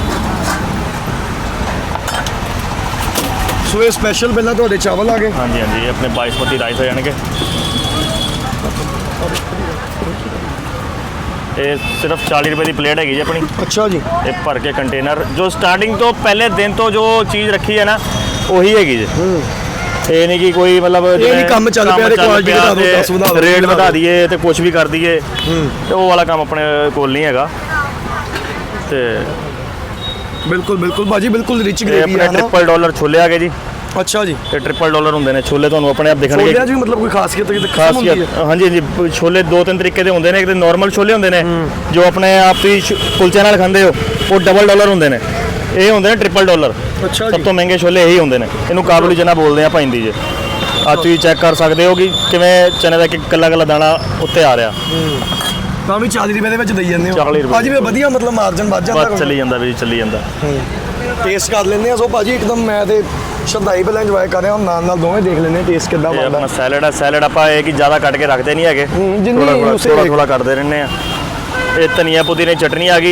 ਸੋ ਇਹ ਸਪੈਸ਼ਲ ਪਹਿਲਾਂ ਤੁਹਾਡੇ ਚਾਵਲ ਆ ਗਏ। ਹਾਂਜੀ ਇਹ ਆਪਣੇ ਬਾਸਮਤੀ ਰਾਈਸ ਹੋ ਜਾਣਗੇ। ਇਹ ਸਿਰਫ 40 ਰੁਪਏ ਦੀ ਪਲੇਟ ਹੈਗੀ ਜੀ ਆਪਣੀ। ਅੱਛਾ ਜੀ। ਇਹ ਭਰ ਕੇ ਕੰਟੇਨਰ, ਜੋ ਸਟਾਰਟਿੰਗ ਤੋਂ ਪਹਿਲੇ ਦਿਨ ਤੋਂ ਜੋ ਚੀਜ਼ ਰੱਖੀ ਹੈ ਨਾ ਉਹੀ ਹੈਗੀ ਜੀ। ਇਹ ਨਹੀਂ ਕਿ ਕੋਈ ਮਤਲਬ ਇਹ ਨਹੀਂ ਕੰਮ ਚੱਲ ਪਿਆ ਤੇ ਕੁਆਲਿਟੀ ਵਧਾ ਦਿਓ, 10 ਵਧਾ ਦਿਓ, ਰੇਟ ਵਧਾ ਦਈਏ ਤੇ ਕੁਝ ਵੀ ਕਰ ਦਈਏ, ਤੇ ਉਹ ਵਾਲਾ ਕੰਮ ਆਪਣੇ ਕੋਲ ਨਹੀਂ ਹੈਗਾ। ਤੇ ਬਿਲਕੁਲ ਭਾਜੀ, ਬਿਲਕੁਲ ਰਿਚ ਇਹ ਗ੍ਰੇਵੀ ਆਪਣੇ ਹੈ ਨਾ। $1 ਛੋਲੇ ਆ ਗਏ ਜੀ। ਅੱਛਾ ਜੀ। ਇਹ $1 ਹੁੰਦੇ ਨੇ ਛੋਲੇ, ਤੁਹਾਨੂੰ ਆਪਣੇ ਆਪ ਦਿਖਣਗੇ। ਛੋਲਿਆਂ 'ਚ ਵੀ ਮਤਲਬ ਕੋਈ ਖਾਸੀਅਤ ਹੁੰਦੀ ਹੈ? ਹਾਂਜੀ ਛੋਲੇ 2-3 ਤਰੀਕੇ ਦੇ ਹੁੰਦੇ ਨੇ। ਇੱਕ ਤੇ ਨਾਰਮਲ ਛੋਲੇ ਹੁੰਦੇ ਨੇ ਜੋ ਆਪਣੇ ਆਪ ਹੀ ਕੁਲਚੇ ਨਾਲ ਖਾਂਦੇ ਹੋ, ਉਹ $1 ਹੁੰਦੇ ਨੇ। ਇਹ ਹੁੰਦੇ ਨੇ $1 ਅੱਛਾ ਸਭ ਤੋਂ ਮਹਿੰਗੇ ਛੋਲੇ ਇਹੀ ਹੁੰਦੇ ਨੇ। ਇਹਨੂੰ ਕਾਬੁਲੀ ਚਨਾ ਬੋਲਦੇ ਆ ਪੈਂਦੀ ਜੇ। ਆ ਤੁਸੀਂ ਚੈੱਕ ਕਰ ਸਕਦੇ ਹੋ ਕਿ ਕਿਵੇਂ ਚਨੇ ਦਾ ਇੱਕ ਕੱਲਾ ਦਾਣਾ ਉੱਤੇ ਆ ਰਿਹਾ। ਤਾਂ ਵੀ 40 ਰੁਪਏ ਦੇ ਵਿੱਚ ਦੇਈ ਜਾਂਦੇ ਹੋ 40 ਰੁਪਏ। ਭਾਜੀ ਵੀ ਵਧੀਆ ਮਤਲਬ ਮਾਰਜਨ ਵੱਧ ਜਾਂਦਾ। ਬਸ ਚੱਲੀ ਜਾਂਦਾ ਵੀ ਚੱਲੀ ਜਾਂਦਾ। ਟੇਸਟ ਕਰ ਲੈਂਦੇ ਆ। ਸੋ ਭਾਜੀ ਇੱਕਦਮ ਮੈਂ ਤੇ ਸ਼ਰਦਾਈ ਪਹਿਲਾਂ ਇੰਜੋਏ ਕਰ ਰਿਹਾ ਹਾਂ, ਨਾਲ ਦੋਵੇਂ ਦੇਖ ਲੈਂਦੇ ਟੇਸਟ ਕਿੱਦਾਂ ਇਹ ਬਣਦਾ। ਆਪਣਾ ਸੈਲਡ ਆ। ਸੈਲਡ ਆਪਾਂ ਇਹ ਕਿ ਜ਼ਿਆਦਾ ਕੱਟ ਕੇ ਰੱਖਦੇ ਨਹੀਂ ਹੈਗੇ, ਥੋੜਾ ਕੱਟਦੇ ਰਹਿੰਦੇ ਆ। ਇਹ ਧਨੀਆ ਪੁਦੀਨੇ ਦੀ ਚਟਨੀ ਆ ਗਈ।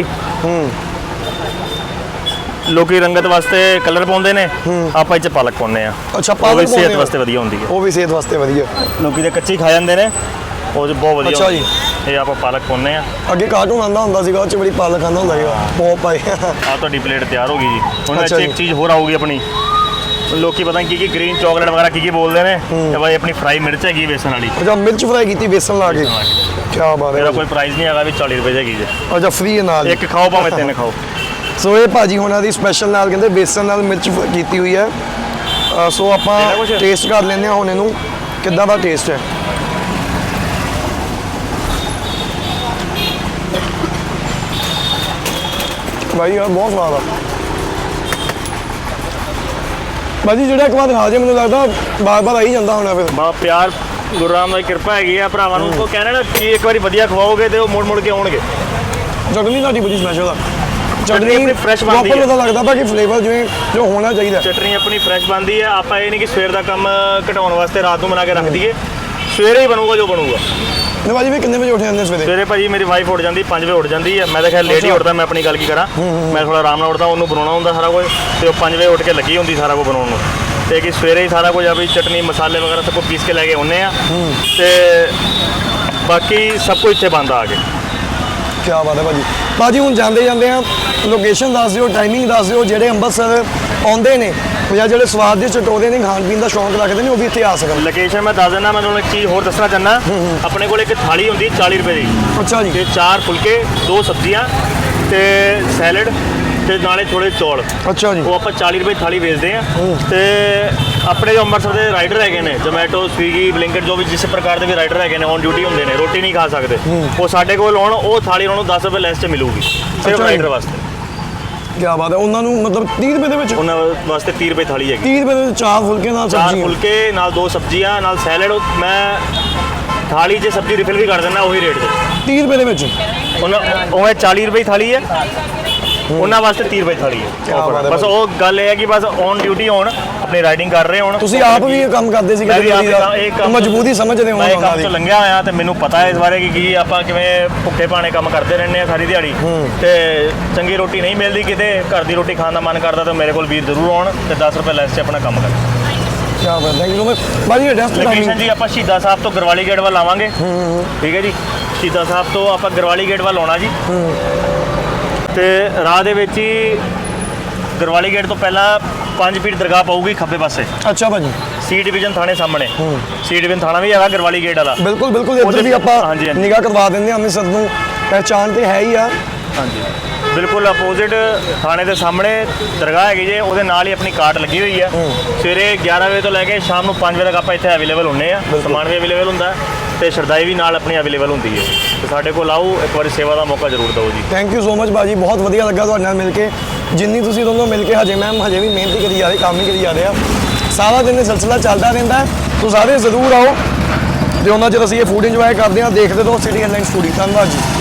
ਲੋਕੀ ਰੰਗਤ ਵਾਸਤੇ ਕਲਰ ਪਾਉਂਦੇ ਨੇ, ਆਪਾਂ ਇਹ 'ਚ ਪਾਲਕ ਪਾਉਂਦੇ ਆ। ਅੱਛਾ, ਪਾਲਕ ਵੀ ਸਿਹਤ ਵਾਸਤੇ ਵਧੀਆ ਹੁੰਦੀ ਹੈ। ਉਹ ਵੀ ਸਿਹਤ ਵਾਸਤੇ ਵਧੀਆ। ਲੋਕੀ ਤੇ ਕੱਚੀ ਖਾ ਜਾਂਦੇ ਨੇ, ਉਹ 'ਚ ਬਹੁਤ ਵਧੀਆ। ਅੱਛਾ ਜੀ। ਇਹ ਆਪਾਂ ਪਾਲਕ ਪਾਉਂਦੇ ਆ। ਅੱਗੇ ਕਾਰਟੂਨ ਆਉਂਦਾ ਹੁੰਦਾ ਸੀਗਾ, ਉਹ 'ਚ ਬੜੀ ਪਾਲਕ ਆਉਂਦਾ ਹੁੰਦਾ ਸੀਗਾ, ਬਹੁਤ ਪਾਏ। ਆ ਤੁਹਾਡੀ ਪਲੇਟ ਤਿਆਰ ਹੋ ਗਈ ਜੀ। ਹੁਣ ਅੱਛਾ ਇੱਥੇ ਜੀ। ਇੱਕ ਚੀਜ਼ ਹੋਰ ਆਊਗੀ ਆਪਣੀ। ਲੋਕੀ ਪਤਾ ਨਹੀਂ ਕੀ ਗ੍ਰੀਨ ਚਾਕਲੇਟ ਵਗੈਰਾ ਕੀ ਬੋਲਦੇ ਨੇ, ਤੇ ਬਾਈ ਆਪਣੀ ਫਰਾਈ ਮਿਰਚ ਹੈਗੀ ਬੇਸਨ ਵਾਲੀ। ਅੱਛਾ, ਮਿਰਚ ਫਰਾਈ ਕੀਤੀ ਬੇਸਨ ਲਾ ਕੇ। ਕੀ ਬਾਤ ਇਹਦਾ ਹੈ। ਕੋਈ ਪ੍ਰਾਈਸ ਨਹੀਂ ਹੈਗਾ ਵੀ 40 ਰੁਪਏ ਦੀ ਹੈਗੀ ਜੀ। ਅੱਛਾ, ਫ੍ਰੀ ਨਾਲ ਇੱਕ ਖਾਓ ਭਾਵੇਂ 3 ਖਾਓ। ਸੋ ਇਹ ਭਾਜੀ ਹੋਣਾ ਦੀ ਸਪੈਸ਼ਲ ਨਾਲ ਕਹਿੰਦੇ ਬੇਸਨ ਨਾਲ ਮਿਰਚ ਕੀਤੀ ਹੋਈ ਹੈ। ਸੋ ਆਪਾਂ ਟੇਸਟ ਕਰ ਲੈਂਦੇ ਹਾਂ ਹੁਣ ਇਹਨੂੰ ਕਿੱਦਾਂ ਦਾ ਟੇਸਟ ਹੈ। ਭਾਈ ਯਾਰ ਬਹੁਤ ਸਵਾਦ ਆ ਭਾਜੀ। ਜਿਹੜਾ ਇੱਕ ਵਾਰ ਖਾ ਜੇ ਮੈਨੂੰ ਲੱਗਦਾ ਬਾਰ-ਬਾਰ ਆਈ ਜਾਂਦਾ ਹੋਣਾ ਫਿਰ। ਬਾ ਪਿਆਰ ਗੁਰੂ ਰਾਮ ਦੀ ਕਿਰਪਾ ਹੈਗੀ ਆ ਭਰਾਵਾਂ ਨੂੰ। ਉਹ ਕਹਿੰਦੇ ਨਾ ਕਿ ਇੱਕ ਵਾਰੀ ਵਧੀਆ ਖਵਾਓਗੇ ਤੇ ਉਹ ਮੁੜ ਕੇ ਆਉਣਗੇ। ਚਟਨੀ ਤੁਹਾਡੀ ਬੜੀ ਸਪੈਸ਼ਲ ਆ। ਚਟਨੀ ਆਪਣੀ fresh ਬਣਦੀ ਹੈ। ਪਤਾ ਲੱਗਦਾ ਬਾਕੀ ਫਲੇਵਰ ਜਿਵੇਂ ਜੋ ਹੋਣਾ ਚਾਹੀਦਾ। ਚਟਨੀ ਆਪਣੀ ਫਰੈਸ਼ ਬਣਦੀ ਹੈ। ਆਪਾਂ ਇਹ ਨਹੀਂ ਕਿ ਸਵੇਰ ਦਾ ਕੰਮ ਘਟਾਉਣ ਵਾਸਤੇ ਰਾਤ ਨੂੰ ਬਣਾ ਕੇ ਰੱਖ ਦਈਏ, ਸਵੇਰੇ ਹੀ ਬਣੂਗਾ ਜੋ ਬਣੂਗਾ। ਨੇ ਭਾਜੀ ਵੀ ਕਿੰਨੇ ਵਜੇ ਉੱਠ ਜਾਂਦੇ ਸਵੇਰੇ? ਸਵੇਰੇ ਭਾਜੀ ਮੇਰੀ ਵਾਈਫ ਉੱਠ ਜਾਂਦੀ 5 ਵਜੇ ਉੱਠ ਜਾਂਦੀ ਹੈ। ਮੈਂ ਤਾਂ ਖੈਰ ਲੇਟ ਹੀ ਉੱਠਦਾ, ਮੈਂ ਆਪਣੀ ਗੱਲ ਕੀ ਕਰਾਂ। ਮੈਂ ਥੋੜਾ ਆਰਾਮ ਨਾਲ ਉੱਠਦਾ, ਉਹਨੂੰ ਬਣਾਉਣਾ ਹੁੰਦਾ ਸਾਰਾ ਕੁਝ, ਤੇ ਉਹ 5 ਵਜੇ ਉੱਠ ਕੇ ਲੱਗੀ ਹੁੰਦੀ ਸਾਰਾ ਕੁਝ ਬਣਾਉਣ ਨੂੰ। ਤੇ ਕਿ ਸਵੇਰੇ ਹੀ ਸਾਰਾ ਕੁਝ ਆਪਣੀ ਚਟਨੀ ਮਸਾਲੇ ਵਗੈਰਾ ਸਭ ਕੁਝ ਪੀਸ ਕੇ ਲੈ ਕੇ ਆਉਂਦੇ ਆ, ਤੇ ਬਾਕੀ ਸਭ ਕੁਝ ਇੱਥੇ ਬਣਦਾ ਆ ਕੇ। ਕੀ ਬਾਤ ਹੈ ਭਾਜੀ। ਭਾਜੀ ਹੁਣ ਜਾਂਦੇ ਜਾਂਦੇ ਆ ਲੋਕੇਸ਼ਨ ਦੱਸ ਦਿਓ, ਟਾਈਮਿੰਗ ਦੱਸ ਦਿਓ, ਜਿਹੜੇ ਅੰਮ੍ਰਿਤਸਰ ਆਉਂਦੇ ਨੇ ਜਾਂ ਜਿਹੜੇ ਸਵਾਦ ਦੇ ਚਟੋਰੇ ਨੇ, ਖਾਣ ਪੀਣ ਦਾ ਸ਼ੌਂਕ ਰੱਖਦੇ ਨੇ, ਉਹ ਵੀ ਇੱਥੇ ਆ ਸਕਣ। ਲੋਕੇਸ਼ਨ ਮੈਂ ਦੱਸ ਦਿੰਦਾ। ਮੈਂ ਤੁਹਾਨੂੰ ਇੱਕ ਚੀਜ਼ ਹੋਰ ਦੱਸਣਾ ਚਾਹੁੰਦਾ। ਆਪਣੇ ਕੋਲ ਇੱਕ ਥਾਲੀ ਹੁੰਦੀ 40 ਰੁਪਏ ਦੀ। ਅੱਛਾ ਜੀ। ਤੇ 4 ਫੁਲਕੇ, 2 ਸਬਜ਼ੀਆਂ ਤੇ ਸੈਲਡ ਤੇ ਨਾਲੇ ਥੋੜੇ ਚੌਲ। ਅੱਛਾ ਜੀ। ਉਹ ਆਪਾਂ 40 ਰੁਪਏ ਥਾਲੀ ਵੇਚਦੇ ਆ। ਤੇ ਆਪਣੇ ਜੋ ਅੰਮ੍ਰਿਤਸਰ ਦੇ ਰਾਈਡਰ ਹੈਗੇ ਨੇ, ਜ਼ੋਮੈਟੋ, ਸਵੀਗੀ, ਬਲਿੰਕਟ, ਜੋ ਵੀ ਜਿਸ ਪ੍ਰਕਾਰ ਦੇ ਵੀ ਰਾਈਡਰ ਹੈਗੇ ਨੇ, ਔਨ ਡਿਊਟੀ ਹੁੰਦੇ ਨੇ, ਰੋਟੀ ਨਹੀਂ ਖਾ ਸਕਦੇ, ਉਹ ਸਾਡੇ ਕੋਲ ਆਉਣ, ਉਹ ਥਾਲੀ ਉਹਨਾਂ ਨੂੰ 10 ਰੁਪਏ ਲੈਸ 'ਚ ਮਿਲੂਗੀ ਸਿਰਫ ਰਾਈਡਰ ਵਾਸਤੇ। ਕੀ ਬਾਤ ਹੈ। ਉਹਨਾਂ ਨੂੰ ਮਤਲਬ 30 ਰੁਪਏ ਦੇ ਵਿੱਚ? ਉਹਨਾਂ ਵਾਸਤੇ 30 ਰੁਪਏ ਥਾਲੀ ਹੈਗੀ। 30 ਰੁਪਏ ਦੇ ਵਿੱਚ 4 ਫੁਲਕੇ ਨਾਲ 4 ਸਬਜ਼ੀ? ਫੁਲਕੇ ਨਾਲ 2 ਸਬਜ਼ੀਆਂ ਨਾਲ ਸੈਲਡ। ਮੈਂ ਥਾਲੀ 'ਚ ਸਬਜ਼ੀ ਰਿਫਿਲ ਵੀ ਕਰ ਦਿੰਦਾ ਉਹੀ ਰੇਟ 'ਤੇ। 30 ਰੁਪਏ ਦੇ ਵਿੱਚ? ਉਹਨਾਂ ਉਹ 40 ਰੁਪਏ ਥਾਲੀ ਹੈ, ਉਹਨਾਂ ਵਾਸਤੇ 30 ਰੁਪਏ ਥਾਲੀ ਕਿਆ ਬਾਤ ਹੈ। ਹੈ ਬਸ ਉਹ ਗੱਲ ਇਹ ਹੈ ਕਿ ਬਸ ਔਨ ਡਿਊਟੀ ਹੋਣ, ਆਪਣੀ ਰਾਈਡਿੰਗ ਕਰ ਰਹੇ ਹੋਣ। ਤੁਸੀਂ ਆਪ ਵੀ ਇਹ ਕੰਮ ਕਰਦੇ ਸੀ? ਮੈਂ ਵੀ ਆਪ ਮਜਬੂਰੀ ਸਮਝਦੇ ਹੋ ਮੈਂ ਇਹ ਉਹਨਾਂ ਕੰਮ ਦੀ? ਤੋਂ ਲੰਘਿਆ ਹੋਇਆ ਤੇ ਮੈਨੂੰ ਪਤਾ ਹੈ ਇਸ ਬਾਰੇ ਕਿ ਕੀ ਆਪਾਂ ਕਿਵੇਂ ਭੁੱਖੇ ਭਾਣੇ ਕੰਮ ਕਰਦੇ ਰਹਿੰਦੇ ਆ ਸਾਰੀ ਦਿਹਾੜੀ, ਤੇ ਚੰਗੀ ਰੋਟੀ ਨਹੀਂ ਮਿਲਦੀ ਕਿਤੇ, ਘਰ ਦੀ ਰੋਟੀ ਖਾਣ ਦਾ ਮਨ ਕਰਦਾ ਤਾਂ ਮੇਰੇ ਕੋਲ ਵੀਰ ਜ਼ਰੂਰ ਆਉਣ ਤੇ 10 ਰੁਪਏ ਲੈਸ 'ਚ ਆਪਣਾ ਕੰਮ ਕਰਨ। ਕੀ ਬਾਤ ਹੈ। ਥੈਂਕ ਯੂ ਭਾਜੀ। ਐਡਰੈਸ ਲੋਕੇਸ਼ਨ ਜੀ ਆਪਾਂ ਸ਼ਹੀਦਾਂ ਸਾਹਿਬ ਤੋਂ ਗਰਵਾਲੀ ਗੇਟ ਵੱਲ ਆਵਾਂਗੇ। ਠੀਕ ਹੈ ਜੀ। ਸ਼ਹੀਦਾਂ ਸਾਹਿਬ ਤੋਂ ਆਪਾਂ ਗਰਵਾਲੀ ਗੇਟ ਵੱਲ ਆਉਣਾ ਜੀ, ਤੇ ਰਾਹ ਦੇ ਵਿੱਚ ਹੀ ਗਰਵਾਲੀ ਗੇਟ ਤੋਂ ਪਹਿਲਾਂ 5 ਫੀਟ ਦਰਗਾਹ ਪਊਗੀ ਖੱਬੇ ਪਾਸੇ। ਅੱਛਾ ਭਾਜੀ। ਸੀ ਡਿਵੀਜ਼ਨ ਥਾਣੇ ਸਾਹਮਣੇ। ਸੀ ਡਿਵੀਜ਼ਨ ਥਾਣਾ ਵੀ ਹੈਗਾ ਗਰਵਾਲੀ ਗੇਟ ਵਾਲਾ। ਬਿਲਕੁਲ ਬਿਲਕੁਲ। ਇੱਧਰ ਵੀ ਆਪਾਂ ਹਾਂਜੀ, ਹਾਂਜੀ। ਨਿਗਾਹ ਕਰਵਾ ਦਿੰਦੇ ਹਾਂ। ਅੰਮ੍ਰਿਤਸਰ ਨੂੰ ਪਹਿਚਾਣ ਤੇ ਹੈ ਹੀ ਆ। ਹਾਂਜੀ, ਬਿਲਕੁਲ ਅਪੋਜ਼ਿਟ ਥਾਣੇ ਦੇ ਸਾਹਮਣੇ ਦਰਗਾਹ ਹੈਗੀ ਜੇ, ਉਹਦੇ ਨਾਲ ਹੀ ਆਪਣੀ ਕਾਰਟ ਲੱਗੀ ਹੋਈ ਆ। ਸਵੇਰੇ 11 ਵਜੇ ਤੋਂ ਲੈ ਕੇ ਸ਼ਾਮ ਨੂੰ 5 ਵਜੇ ਤੱਕ ਆਪਾਂ ਇੱਥੇ ਅਵੇਲੇਬਲ ਹੁੰਦੇ ਆ। ਸਮਾਨ ਵੀ ਅਵੇਲੇਬਲ ਹੁੰਦਾ ਤੇ ਸ਼ਰਦਾਈ ਵੀ ਨਾਲ ਆਪਣੀ ਅਵੇਲੇਬਲ ਹੁੰਦੀ ਹੈ। ਤੇ ਸਾਡੇ ਕੋਲ ਆਓ, ਇੱਕ ਵਾਰੀ ਸੇਵਾ ਦਾ ਮੌਕਾ ਜ਼ਰੂਰ ਦਿਓ ਜੀ। ਥੈਂਕ ਯੂ ਸੋ ਮਚ ਭਾਜੀ। ਬਹੁਤ ਵਧੀਆ ਲੱਗਾ ਤੁਹਾਡੇ ਨਾਲ ਮਿਲ ਕੇ। ਜਿੰਨੀ ਤੁਸੀਂ ਦੋਨੋਂ ਮਿਲ ਕੇ ਹਜੇ ਵੀ ਮਿਹਨਤ ਕਰੀ ਜਾ ਰਹੇ, ਕੰਮ ਹੀ ਕਰੀ ਜਾ ਰਹੇ ਆ। ਸਾਰਾ ਦਿਨ ਇਹ ਸਿਲਸਿਲਾ ਚੱਲਦਾ ਰਹਿੰਦਾ ਹੈ। ਤੁਸੀਂ ਸਾਰੇ ਜ਼ਰੂਰ ਆਓ ਤੇ ਉਹਨਾਂ ਚਿਰ ਅਸੀਂ ਇਹ ਫੂਡ ਇੰਜੋਏ ਕਰਦੇ ਹਾਂ। ਦੇਖਦੇ ਰਹੋ ਸਿਟੀ ਹੈਡਲਾਈਨਸ ਫੂਡੀ। ਧੰਨਵਾਦ ਜੀ।